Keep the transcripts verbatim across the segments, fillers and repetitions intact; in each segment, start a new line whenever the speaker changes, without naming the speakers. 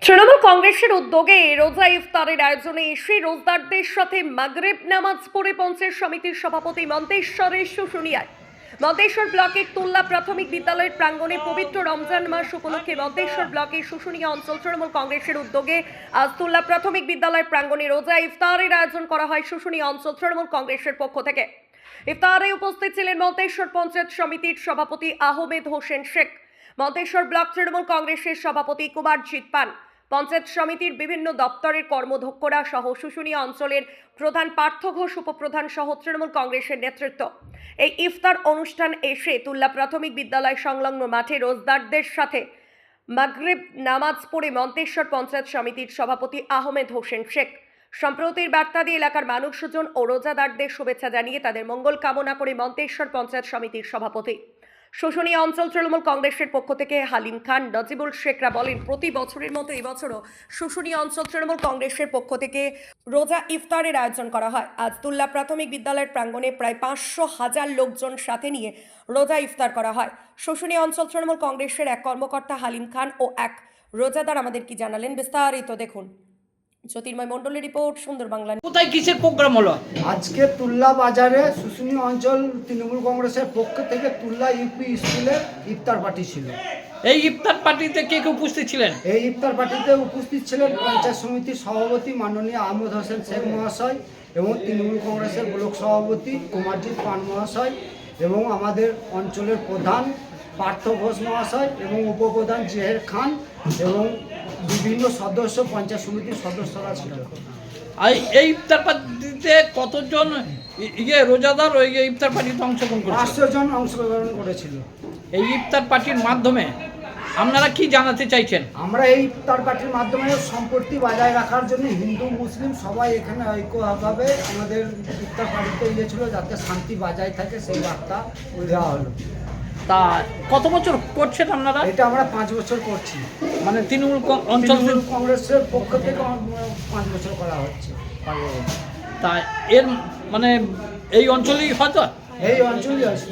তৃণমূল কংগ্রেসের উদ্যোগে রোজা ইফতারের আয়োজনে এসে রোজদারদের সাথে মাগরিব নামাজ পড়ে পঞ্চায়েত সমিতির সভাপতি মন্তেশ্বরের শুশুনিয়ায় মন্তেশ্বর ব্লকের তুল্লা প্রাথমিক বিদ্যালয়ের প্রাঙ্গণে পবিত্র রমজান মাস উপলক্ষে মন্তেশ্বর ব্লকের শুশুনিয়া অঞ্চল তৃণমূল কংগ্রেসের উদ্যোগে আজ তুল্লা প্রাথমিক বিদ্যালয়ের প্রাঙ্গণে রোজা ইফতারের আয়োজন করা হয় শুশুনিয়া অঞ্চল তৃণমূল কংগ্রেসের পক্ষ থেকে। ইফতারে উপস্থিত ছিলেন মন্তেশ্বর পঞ্চায়েত সমিতির সভাপতি আহমেদ হোসেন শেখ, মন্তেশ্বর ব্লক তৃণমূল কংগ্রেসের সভাপতি কুমারজিৎ পান, পঞ্চায়েত সমিতির বিভিন্ন দপ্তরের কর্মধ্যক্ষরা সহ শুশুনিয়া অঞ্চলের প্রধান পার্থ ঘোষ উপপ্রধান সহ তৃণমূল কংগ্রেসের নেতৃত্ব। এই ইফতার অনুষ্ঠান এসে তুল্লা প্রাথমিক বিদ্যালয় সংলগ্ন মাঠে রোজদারদের সাথে মাগরিব নামাজ পড়ে মন্তেশ্বর পঞ্চায়েত সমিতির সভাপতি আহমেদ হোসেন শেখ সম্প্রতির বার্তা দিয়ে এলাকার মানুষজন ও রোজাদারদের শুভেচ্ছা জানিয়ে তাদের মঙ্গল কামনা করে মন্তেশ্বর পঞ্চায়েত সমিতির সভাপতি। শুশুনিয়া অঞ্চল তৃণমূল কংগ্রেসের পক্ষ থেকে হালিম খান, নজিবুল শেখরা বলেন, প্রতি বছরের মতো এবছরও শুশুনিয়া অঞ্চল তৃণমূল কংগ্রেসের পক্ষ থেকে রোজা ইফতারের আয়োজন করা হয়। আজ তুল্লা প্রাথমিক বিদ্যালয়ের প্রাঙ্গণে প্রায় পাঁচশো হাজার লোকজন সাথে নিয়ে রোজা ইফতার করা হয়। শুশুনিয়া অঞ্চল তৃণমূল কংগ্রেসের এক কর্মকর্তা হালিম খান ও এক রোজাদার আমাদের কি জানালেন, বিস্তারিত দেখুন। জ্যোতির্ময় মণ্ডলের রিপোর্ট, সুন্দর বাংলা।
কোথায় কিসের প্রোগ্রাম হলো
আজকে তুল্লা বাজারে শুশুনিয়া অঞ্চল তৃণমূল কংগ্রেসের পক্ষ থেকে তুল্লা ইউপি স্কুলে ইফতার পার্টি ছিল।
এই ইফতার পার্টিতে কে কে উপস্থিত ছিলেন?
এই ইফতার পার্টিতে উপস্থিত ছিলেন পঞ্চায়েত সমিতির সভাপতি মাননীয় আহমেদ হোসেন শেখ মহাশয় এবং তৃণমূল কংগ্রেসের ব্লক সভাপতি কুমারজিৎ পান মহাশয় এবং আমাদের অঞ্চলের প্রধান পার্থ ঘোষ মহাশয় এবং উপপ্রধান জেহের খান এবং বিভিন্ন সদস্য পঞ্চায়েত সমিতির সদস্যরা ছিল।
আর এই ইফতার পার্টিতে কতজন ইয়ে রোজাদার ওই ইফতার পার্টিতে অংশগ্রহণ করেছে?
পাঁচশো জন অংশগ্রহণ করেছিল।
এই ইফতার পার্টির মাধ্যমে আপনারা কি জানাতে চাইছেন?
আমরা এই ইফতার পার্টির মাধ্যমে সম্পত্তি বজায় রাখার জন্য হিন্দু মুসলিম সবাই এখানে ঐক্যভাবে আমাদের ইফতার পার্টিতে গিয়েছিল যাতে শান্তি বজায় থাকে, সেই বার্তা দেওয়া হলো।
তা কত বছর করছেন আপনারা?
এটা আমরা পাঁচ বছর করছি,
মানে তৃণমূল অঞ্চল
তৃণমূল কংগ্রেসের পক্ষ থেকে পাঁচ বছর করা হচ্ছে।
তা এর মানে এই অঞ্চলেই হয়তো
এই অঞ্চলই আছে।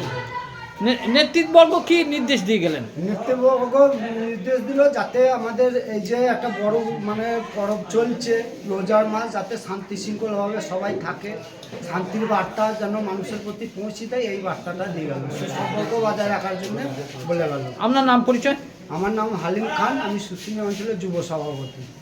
নেতৃত্ববর্গ কি নির্দেশ দিয়ে গেলেন?
নেতৃত্ববর্গ নির্দেশ দিল যাতে আমাদের এই যে একটা বড় মানে পরব চলছে রোজার মাস, যাতে শান্তি শৃঙ্খলভাবে সবাই থাকে, শান্তির বার্তা যেন মানুষের প্রতি পৌঁছে দেয়, এই বার্তাটা দিয়ে গেল, সুসম্পর্ক বজায় রাখার জন্য বলে গেল।
আপনার নাম পরিচয়?
আমার নাম হালিম খান, আমি শুশুনিয়া অঞ্চলের যুব সভাপতি।